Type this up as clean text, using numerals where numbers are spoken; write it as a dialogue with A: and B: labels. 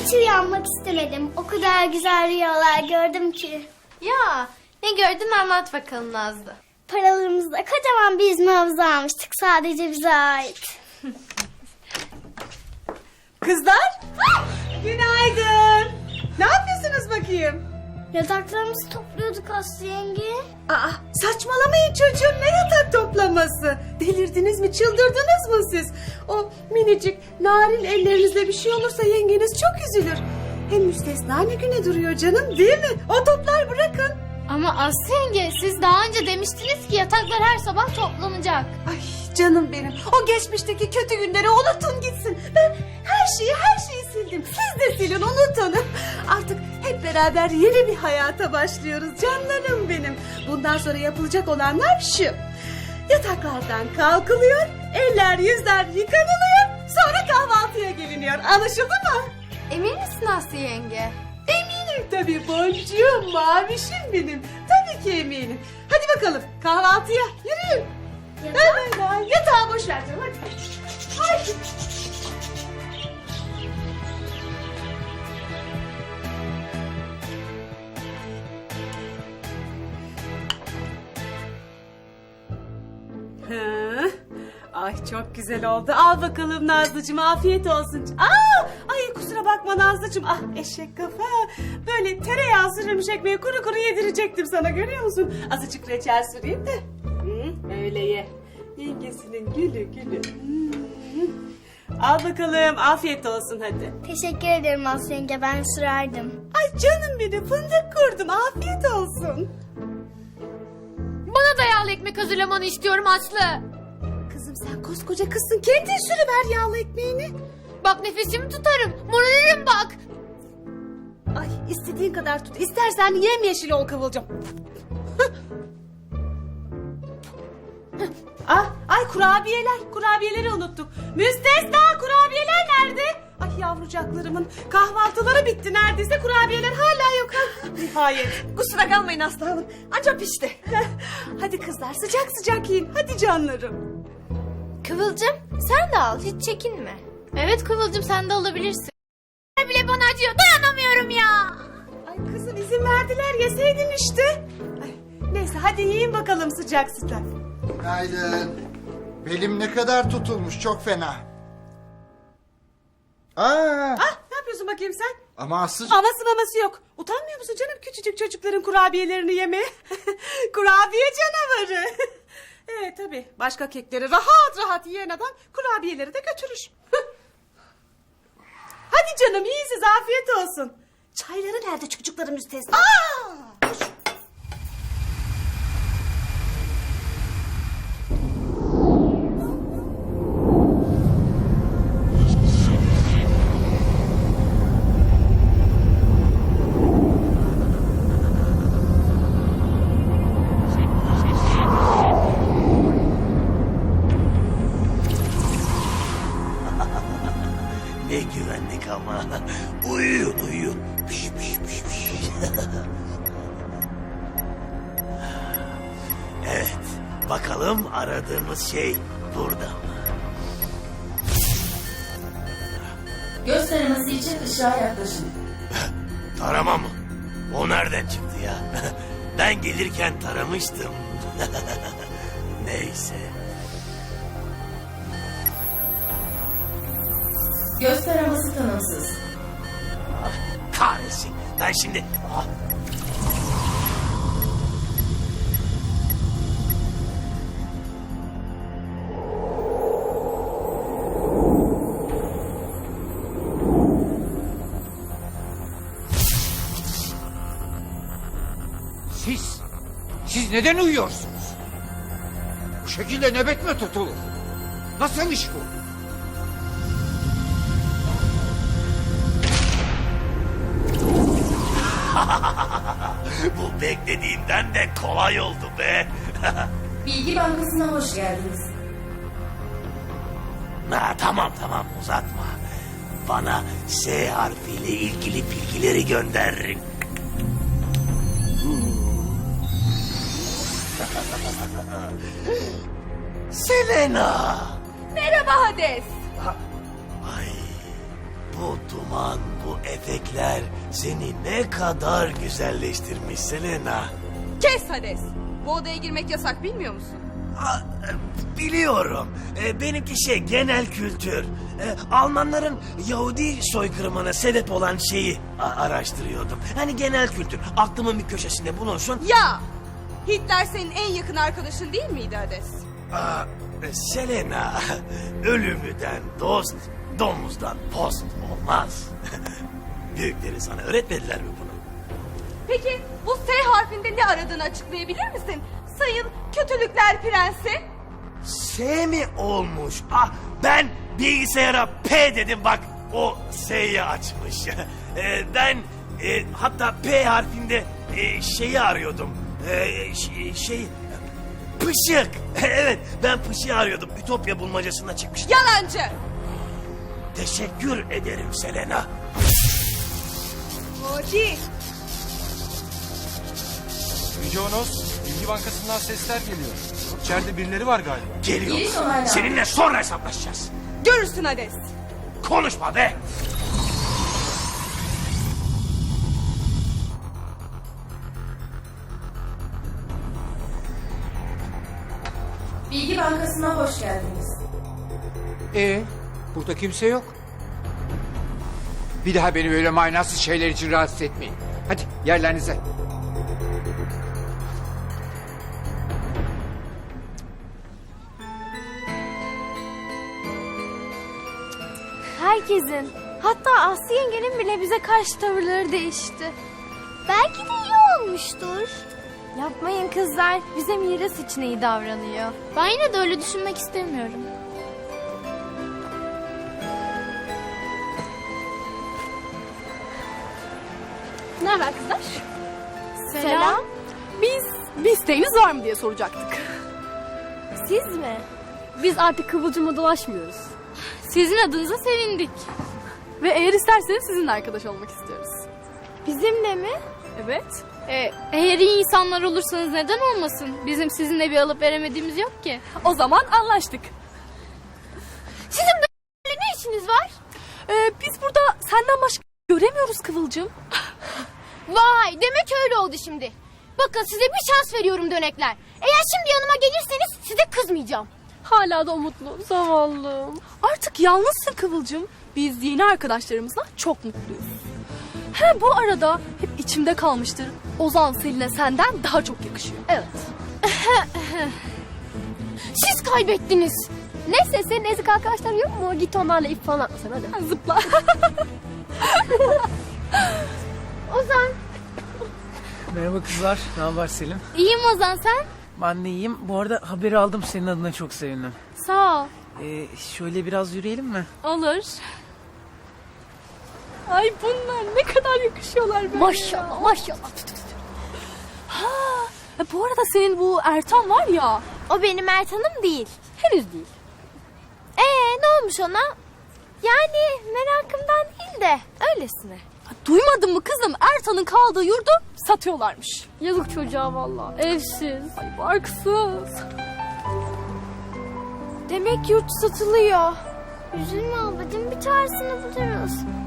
A: Hiç uyanmak istemedim. O kadar güzel rüyalar gördüm ki.
B: Ya ne gördün anlat bakalım Nazlı.
A: Paralarımızda kocaman bir yüzme havuzu almıştık. Sadece bize ait.
C: Kızlar, günaydın. Ne yapıyorsunuz bakayım?
A: Yataklarımızı topluyorduk Aslı yenge.
C: Aa, saçmalamayın çocuğum, ne yatak toplaması? Delirdiniz mi, çıldırdınız mı siz? O minicik, narin ellerinizle bir şey olursa yengeniz çok üzülür. Hem müstesna ne güne duruyor canım, değil mi? O toplar bırakın.
B: Ama Aslı yenge siz daha önce demiştiniz ki yataklar her sabah toplanacak.
C: Ay canım benim, o geçmişteki kötü günleri unutun gitsin. Ben her şeyi sildim. Siz de silin, unutun. Artık hep beraber yeni bir hayata başlıyoruz canlarım benim. Bundan sonra yapılacak olanlar şu. Yataklardan kalkılıyor, eller yüzler yıkanılıyor, sonra kahvaltıya geliniyor. Anlaşıldı mı?
B: Emin misin Aslı yenge?
C: Eminim tabii boncuğum, mavişim benim. Tabii ki eminim. Hadi bakalım kahvaltıya yürüyün. Hemen yatağı boş ver canım, hadi. Haydi. Hı. Ay çok güzel oldu. Al bakalım Nazlıcığım, afiyet olsun. Ay kusura bakma Nazlıcığım. Ah eşek kafa. Böyle tereyağı sürülmüş ekmeği kuru kuru yedirecektim sana, görüyor musun? Azıcık reçel süreyim de. Öyle ye. Yengesinin gülü gülü. Al bakalım, afiyet olsun hadi.
A: Teşekkür ederim Aslı yenge, ben sürerdim.
C: Ay canım benim, fındık kurdum, afiyet olsun.
B: Bana da yağlı ekmek hazırlamanı istiyorum Aslı.
C: Kızım sen koskoca kızsın, kendin sürüver yağlı ekmeğini.
B: Bak nefesimi tutarım. Morarırım bak.
C: Ay istediğin kadar tut. İstersen yemyeşil ol Kıvılcım. Ay kurabiyeleri unuttuk. Müstesna, kurabiyeler nerede? Ay yavrucaklarımın kahvaltıları bitti neredeyse, kurabiyeler hala yok. Nihayet. Kusura kalmayın Aslı Hanım, ancak pişti. Hadi kızlar, sıcak sıcak yiyin, hadi canlarım.
B: Kıvılcım sen de al hiç çekinme. Evet Kıvılcım sen de alabilirsin. Bile bana acıyor, dayanamıyorum ya.
C: Ay kızım izin verdiler, yeseydin işte. Ay, neyse hadi yiyin bakalım sıcak sıcak.
D: Günaydın. Belim ne kadar tutulmuş, çok fena.
C: Ne yapıyorsun bakayım sen?
D: Ama Aslı...
C: Maması yok. Utanmıyor musun canım küçücük çocukların kurabiyelerini yemeye? Kurabiye canavarı. Tabii başka kekleri rahat rahat yiyen adam kurabiyeleri de götürür. Hadi canım yiyin siz, afiyet olsun. Çayları nerede çocukların müstesna?
E: Ne güvenlik ama. Uyuyun uyuyun. Piş, piş, piş, piş. Evet. Bakalım aradığımız şey burada mı?
F: Göz taraması için ışığa yaklaşın.
E: Tarama mı? O nereden çıktı ya? Ben gelirken taramıştım. Neyse.
F: Göz taraması tanımsız.
E: Kahretsin. Ben şimdi...
G: Siz neden uyuyorsunuz? Bu şekilde nöbet mi tutulur? Nasıl iş bu?
E: Bu beklediğimden de kolay oldu be.
F: Bilgi Bankası'na hoş geldiniz.
E: Tamam uzatma. Bana S harfiyle ilgili bilgileri gönder. Selena.
B: Merhaba Hades.
E: Ay, Bu duman, bu etekler seni ne kadar güzelleştirmiş Selena.
H: Kes Hades. Bu odaya girmek yasak, bilmiyor musun?
E: Aa, biliyorum. Benimki genel kültür. Almanların Yahudi soykırımına sebep olan şeyi araştırıyordum. Hani genel kültür. Aklımın bir köşesinde bulunsun.
H: Ya! Hitler senin en yakın arkadaşın değil miydi Hades?
E: Aa, Selena, ölümüden dost, domuzdan post olmaz. Büyükleri sana öğretmediler mi bunu?
H: Peki bu S harfinde ne aradığını açıklayabilir misin? Sayın Kötülükler Prensi.
E: S mi olmuş? Ah, ben bilgisayara P dedim bak. O S'yi açmış. Ben hatta P harfinde şeyi arıyordum. Pışık. Evet, ben pışığı arıyordum. Ütopya bulmacasına çıkmıştım.
H: Yalancı.
E: Teşekkür ederim Selena.
H: Hadi.
I: Yüce Onos, Bilgi Bankası'ndan sesler geliyor. İçeride birileri var galiba.
E: Geliyor.
F: Giriş onaylandı.
E: Seninle sonra hesaplaşacağız.
H: Görürsün Hades.
E: Konuşma be.
F: Bilgi Bankası'na hoş geldiniz.
G: Burada kimse yok. Bir daha beni böyle manasız şeyler için rahatsız etmeyin. Hadi yerlerinize.
B: Herkesin, hatta Aslı yengenin bile bize karşı tavırları değişti.
A: Belki de iyi olmuştur.
B: Yapmayın kızlar, bize miras için iyi davranıyor. Ben yine de öyle düşünmek istemiyorum.
J: Ne haber kızlar?
B: Selam.
J: Bir isteğiniz var mı diye soracaktık.
B: Siz mi?
J: Biz artık Kıvılcım'la dolaşmıyoruz.
B: Sizin adınıza sevindik.
J: Ve eğer isterseniz sizinle arkadaş olmak istiyoruz.
B: Bizimle mi?
J: Evet.
B: Eğer iyi insanlar olursanız neden olmasın? Bizim sizinle bir alıp veremediğimiz yok ki.
J: O zaman anlaştık.
B: Sizin böyle ne işiniz var?
J: Biz burada senden başka göremiyoruz Kıvılcım.
B: Vay, demek öyle oldu şimdi. Bakın size bir şans veriyorum dönekler. Eğer şimdi yanıma gelirseniz size kızmayacağım.
J: Hala da umutlu, zavallım. Artık yalnızsın Kıvılcım. Biz yeni arkadaşlarımızla çok mutluyuz. He, bu arada hep içimde kalmıştır. Ozan Selin'e senden daha çok yakışıyor. Evet.
B: Siz kaybettiniz.
J: Neyse, senin ezik arkadaşlar yok mu? Git onlarla ip falan atma sen hadi. Zıpla.
B: Ozan.
K: Merhaba kızlar, ne haber Selim?
B: İyiyim Ozan, sen?
K: Ben de iyiyim. Bu arada haberi aldım, senin adına çok sevindim.
B: Sağ ol.
K: Şöyle biraz yürüyelim mi?
B: Olur.
J: Ay bunlar ne kadar yakışıyorlar böyle.
B: Maşallah, maşallah.
J: Bu arada senin bu Ertan var ya.
B: O benim Ertan'ım değil.
J: Henüz değil.
B: Ne olmuş ona? Yani merakımdan değil de öylesine.
J: Duymadın mı kızım? Ertan'ın kaldığı yurdu satıyorlarmış. Yazık çocuğa vallahi. Evsiz. Ay barksız.
B: Demek yurt satılıyor.
A: Üzülme ablacığım, bir çaresini buluruz.